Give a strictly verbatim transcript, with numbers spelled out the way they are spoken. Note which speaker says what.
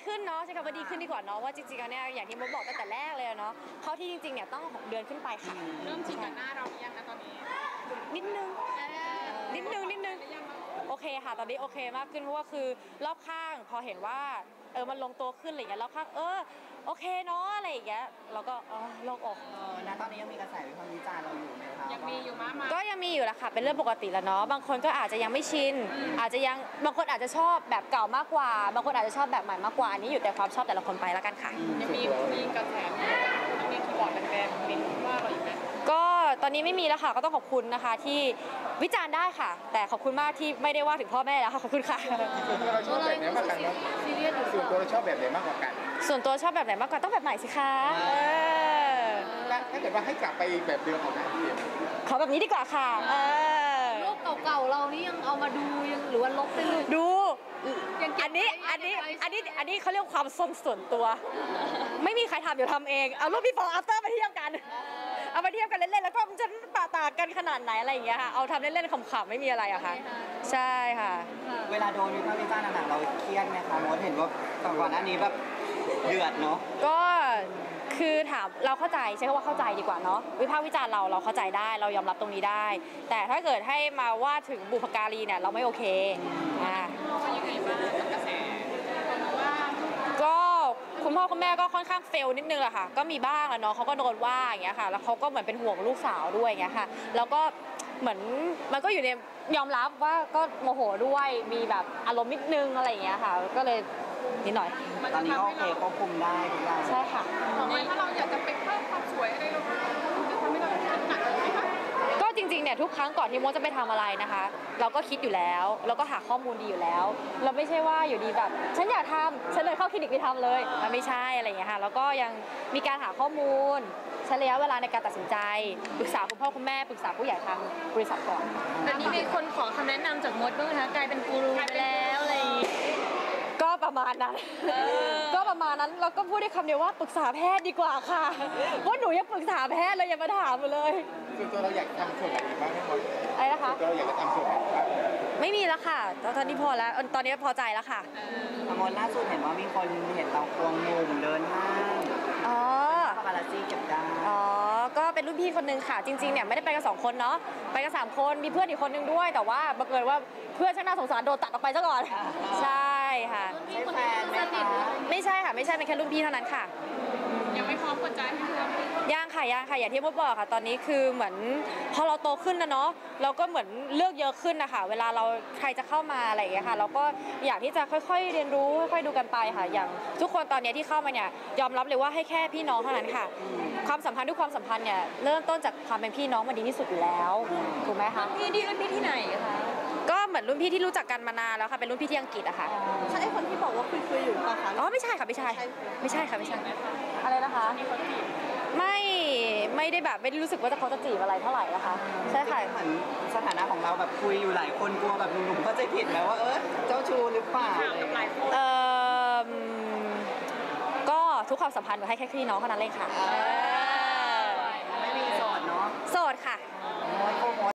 Speaker 1: ขึ้นเนาะใช่คำว่าดีขึ้นดีกว่าเนาะว่าจริงๆแล้วเนี่ยอย่างที่มดบอกตั้งแต่แรกเลยเนาะเขาที่จริงๆเนี่ยต้องหกเดือนขึ้นไปค่ะ
Speaker 2: เริ่มชินกับหน้าเราหรือยังนะตอนนี้
Speaker 1: นิดนึงนิดนึงนิดนึงโอเคค่ะตอนนี้โอเคมากขึ้นเพราะว่าคือรอบข้างพอเห็นว่าเออมันลงตัวขึ้นอะไรอย่างเงี้ยรอบข้างเออโอเคเนาะอะไรอย่างเงี้ยเราก็เออโล่งอก
Speaker 3: เออณตอนนี้ยังมีกระแสวิพากษ์วิจารณ์เราอยู่ไหมคะ
Speaker 2: ยังมีอยู่มากมาย
Speaker 1: ก็ยังมีอยู่แหละค่ะเป็นเรื่องปกติแล้วเนาะบางคนก็อาจจะยังไม่ชินอาจจะยังบางคนอาจจะชอบแบบเก่ามากกว่าบางคนอาจจะชอบแบบใหม่มากกว่าอันนี้อยู่แต่ความชอบแต่ละคนไปแล้วกันค่ะ
Speaker 2: ยังมีมีกระแสมีมีคีย์บอร์ดแบนๆมีว่าเราอีกไหม
Speaker 1: ก็ตอนนี้ไม่มีแล้วค่ะก็ต้องขอบคุณนะคะที่วิจารณ์ได้ค่ะแต่ขอบคุณมากที่ไม่ได้ว่าถึงพ่อแม่แล้วค่ะขอบคุณค่ะ
Speaker 4: ส่วนตัวเราชอบแบบไหนมากกว่ากันส่วนตัวเราชอบแบบไหนมากกว่ากัน
Speaker 1: ส่วนตัวชอบแบบไหนมากกว่าต้องแบบใหม่สิคะ
Speaker 4: ถ้าเกิดว่าให้กลับไปแบบเดิมของพี่
Speaker 1: ขอแบบนี้ดีกว่าค่ะ
Speaker 5: รูปเก่าๆเรานี่ยังเอามาดูยังหรือว่าลบไปเลย
Speaker 1: ดูอันนี้อันนี้อันนี้อันนี้เขาเรียกความส้นส่วนตัวไม่มีใครทำเดี๋ยวทำเองเอารูป before after มาเทียบกันเอามาเทียบกันเล่นๆแล้วก็มันจะต่างกันขนาดไหนอะไรอย่างเงี้ยค่ะเอาทำเล่นๆขำๆไม่มีอะไรอะค่ะใช่ค่ะ
Speaker 3: เวลาโดนวิพากษ์วิจารณ์หนักๆเราเครียดไหมคะมดเห็นว่าก่อนหน้านี้แบบเดือดเนาะ
Speaker 1: ก็คือถามเราเข้าใจใช้คำว่าเข้าใจดีกว่าเนาะวิพากษ์วิจารณ์เราเราเข้าใจได้เรายอมรับตรงนี้ได้แต่ถ้าเกิดให้มาว่าถึงบุพการีเนี่ยเราไม่โอเคอ่า
Speaker 2: ยังไงบ้างกับกระแส
Speaker 1: ก็คุณพ่อคุณแม่ก็ค่อนข้างเฟลนิดนึงแหละค่ะก็มีบ้างแหละเนาะเขาก็โดนว่าอย่างเงี้ยค่ะแล้วเขาก็เหมือนเป็นห่วงลูกสาวด้วยอย่างเงี้ยค่ะแล้วก็เหมือนมันก็อยู่ในยอมรับว่าก็โมโหด้วยมีแบบอารมณ์นิดนึงอะไรอย่างเงี้ยค่ะก็เลยนิดหน่อย
Speaker 3: ตอนนี้ก็โอเคควบคุมได้ทุกอย่าง
Speaker 1: ใช่ค่ะ
Speaker 2: ต่อไปถ้าเราอยากจะไปเพิ่มความสวยอะไรเราจะทำให้เราคิดหนักไหมคะ
Speaker 1: ก็จริงๆเนี่ยทุกครั้งก่อนที่โมจะไปทำอะไรนะคะเราก็คิดอยู่แล้วเราก็หาข้อมูลดีอยู่แล้วเราไม่ใช่ว่าอยู่ดีแบบฉันอยากทำฉันเลยเข้าคลินิกไปทำเลยมันไม่ใช่อะไรอย่างเงี้ยค่ะแล้วก็ยังมีการหาข้อมูลใช้ระยะเวลาในการตัดสินใจปรึกษาคุณพ่อคุณแม่ปรึกษาผู้ใหญ่ทางบริษัทก่อน
Speaker 5: อันนี้มีคนขอคำแนะนำจากมดบ้างไหมคะกลายเป็นกูรูไปแล้วอะไร
Speaker 1: ก็ประมาณนั้นก็ประมาณนั้นเราก็พูดได้คำเดียวว่าปรึกษาแพทย์ดีกว่าค่ะว่าหนูยังปรึกษาแพทย์เลยอย่ามาถามเลย
Speaker 4: ส่วนตัวเราอยากทำส่วนไหนบ้างไหมมด
Speaker 1: อะไรนะคะ
Speaker 4: ส่วนตัวเราอยากจะทำส่วนไหนบ้าง
Speaker 1: ไม่มีแล้วค่ะตอนนี้พอแล้วตอนนี้พอใจแล้วค่ะ
Speaker 3: มดล่าสุดเห็นว่ามีคนเห็นเราควงงูเดินห้าง
Speaker 1: อ๋อ
Speaker 3: ปาปารัสซี่เก็บได้
Speaker 1: อ๋อก็เป็นรุ่นพี่คนนึงค่ะจริงๆเนี่ยไม่ได้ไปกันสองคนเนาะไปกันสามคนมีเพื่อนอีกคนนึงด้วยแต่ว่าบังเอิญว่าเพื่อนช่างน่าสงสารโดนตัดออกไปซะก่อนใช่ค่ะ
Speaker 3: ใช่แฟนไหมคะ
Speaker 1: ไม่ใช่ค่ะไม่ใช่เป็นแค่รุ่นพี่เท่านั้นค่ะ
Speaker 2: ยังไม่พร้อมเปิดใจให้เพื่อน
Speaker 1: ย่างค่ะย่างค่ะอย่างที่มดบอกค่ะตอนนี้คือเหมือนพอเราโตขึ้นนะเนาะเราก็เหมือนเลือกเยอะขึ้นนะคะเวลาเราใครจะเข้ามาอะไรอย่างเงี้ยค่ะเราก็อยากที่จะค่อยๆเรียนรู้ค่อยๆดูกันไปค่ะอย่างทุกคนตอนนี้ที่เข้ามาเนี่ยยอมรับเลยว่าให้แค่พี่น้องเท่านั้นค่ะความสัมพันธ์ทุกความสัมพันธ์เนี่ยเริ่มต้นจากความเป็นพี่น้องมันดีที่สุดอยู่แล้วถูกไหมคะ
Speaker 5: พี่ดีรุ่นพี่ที่ไหนคะ
Speaker 1: ก็เหมือนรุ่นพี่ที่รู้จักกันมานานแล้วค่ะเป็นรุ่นพี่ที่อังกฤษอะค่ะ
Speaker 5: ใช่คนที่บอกว่าคุยคุยอยู่ป่ะคะ
Speaker 1: อ๋อไม่ใช่ค่ะไม่ใช่ไม่ใช่ค่ะไม่ใช่อะไรนะคะไม่ไม่ได้แบบไม่ได้รู้สึกว่าจะเขาจะจีบอะไรเท่าไหร่นะคะใช่ค่ะ
Speaker 3: เหมือนสถานะของเราแบบคุยอยู่หลายคนกลัวแบบหนุ่มๆเข้าใจผิดไหมว่าเออเจ้าชู้หรือเปล่า
Speaker 1: เออก็ทุกความสัมพันธ์หนูให้แค่พี่น้องเท่านั้นเลยค่ะ
Speaker 3: ไม่มีโสดเนาะ
Speaker 1: โสดค่ะ